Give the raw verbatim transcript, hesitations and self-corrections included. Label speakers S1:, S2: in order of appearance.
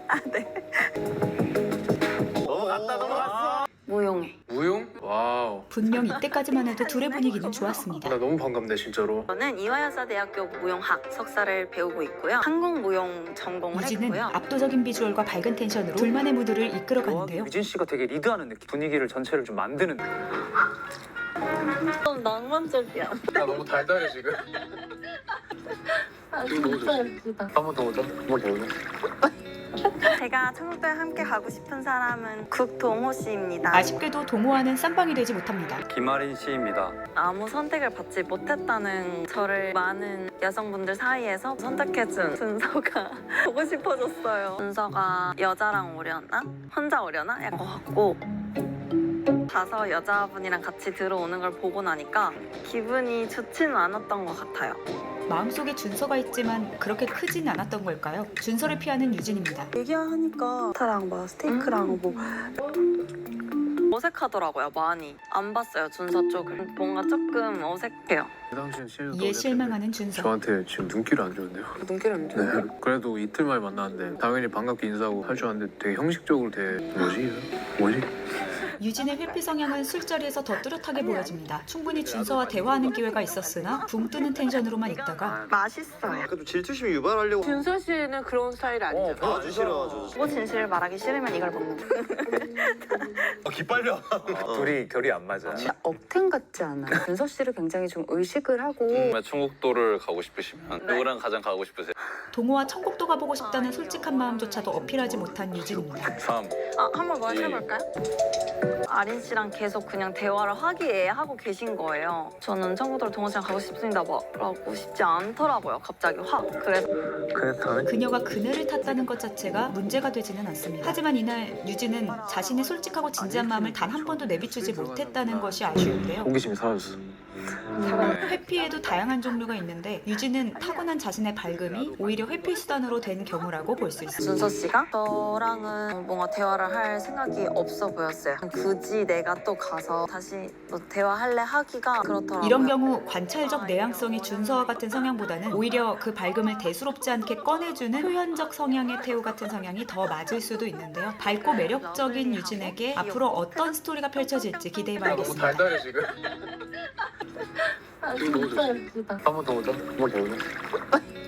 S1: 아, 네.
S2: 넘어갔다 넘어갔어.
S1: 무용해.
S3: 무용? 와우.
S4: 분명 이때까지만 해도 둘의 분위기는 좋았습니다.
S3: 나 너무 반갑네 진짜로.
S1: 저는 이화여자대학교 무용학 석사를 배우고 있고요. 한국 무용 전공을
S4: 유진은
S1: 했고요.
S4: 압도적인 비주얼과 밝은 텐션으로 둘만의 무드를 이끌어가는데요.
S2: 유진 씨가 되게 리드하는 느낌. 분위기를 전체를 좀 만드는 느낌.
S1: 좀 낭만적이야.
S3: 나 너무 달달해 지금.
S1: 아,
S3: 지금 너무
S1: 진짜
S3: 좋지.
S1: 예쁘다.
S3: 한 번 더 오자. 한 번 더 오자.
S1: 제가 천국도에 함께 가고 싶은 사람은 국동호 씨입니다.
S4: 아쉽게도 동호와는 쌈방이 되지 못합니다.
S2: 김아린 씨입니다.
S1: 아무 선택을 받지 못했다는 저를 많은 여성분들 사이에서 선택해준 준서가 보고 싶어졌어요. 준서가 여자랑 오려나? 혼자 오려나? 약간 같고 가서 여자분이랑 같이 들어오는 걸 보고 나니까 기분이 좋지는 않았던 것 같아요.
S4: 마음속에 준서가 있지만 그렇게 크진 않았던 걸까요? 준서를 피하는 유진입니다.
S1: 얘기하니까 스타랑 막 스테이크랑 뭐 어색하더라고요. 많이 안 봤어요. 준서 쪽을. 뭔가 조금 어색해요.
S3: 그 당시엔 실도
S4: 이에 실망하는 준서.
S3: 저한테 지금 눈길이 안 좋은데요.
S1: 눈길 안
S3: 네. 그래도 이틀 만에 만났는데 당연히 반갑게 인사하고 할 줄 알았는데 되게 형식적으로 되게 뭐지? 뭐지?
S4: 유진의 회피 성향은 술자리에서 더 뚜렷하게 보여집니다. 충분히 준서와 대화하는 기회가 있었으나 붕 뜨는 텐션으로만 있다가
S1: 맛있어요.
S5: 그래도 질투심 유발하려고
S6: 준서 씨는 그런 스타일이 아니잖아.
S5: 어, 아주 싫어 아주
S1: 뭐 진실을 말하기 싫으면 이걸 먹는 거.
S5: 어, 기빨려
S2: 둘이 결이 안 맞아.
S6: 억텐 같지 않아요? 준서 씨를 굉장히 좀 의식을 하고
S7: 정말 천국도를 가고 싶으시면 누구랑 가장 가고 싶으세요?
S4: 동호와 천국도 가보고 싶다는 솔직한 마음조차도 어필하지 못한 유진입니다.
S7: 삼.
S1: 아, 한번 뭐 해볼까요? 아린 씨랑 계속 그냥 대화를 화기애애하고 계신 거예요. 저는 청구도로 동호 씨랑 가고 싶습니다 말하고 싶지 않더라고요. 갑자기 확. 그래서
S3: 그랬다.
S4: 그녀가 그네를 탔다는 것 자체가 문제가 되지는 않습니다. 하지만 이날 유진은 자신의 솔직하고 진지한 마음을 단 한 번도 내비추지 못했다는 것이 아쉬운데요.
S3: 호기심이 사라졌어.
S4: 회피에도 다양한 종류가 있는데 유진은 타고난 자신의 밝음이 오히려 회피 수단으로 된 경우라고 볼 수 있습니다.
S1: 준서 씨가 저랑은 뭔가 대화를 할 생각이 없어 보였어요. 굳이 내가 또 가서 다시 뭐 대화할래 하기가 그렇더라고요.
S4: 이런 경우 관찰적 내향성의 준서와 같은 성향보다는 오히려 그 밝음을 대수롭지 않게 꺼내주는 표현적 성향의 태우 같은 성향이 더 맞을 수도 있는데요. 밝고 매력적인 유진에게 앞으로 어떤 스토리가 펼쳐질지
S3: 나 너무
S4: 기대해봐야겠습니다.
S3: 달달해 지금.
S1: 아,
S3: 지금 너무
S1: 진짜
S3: 좋지.
S1: 예쁘다.
S3: 한 번 더 오자. 한 번 더 오자.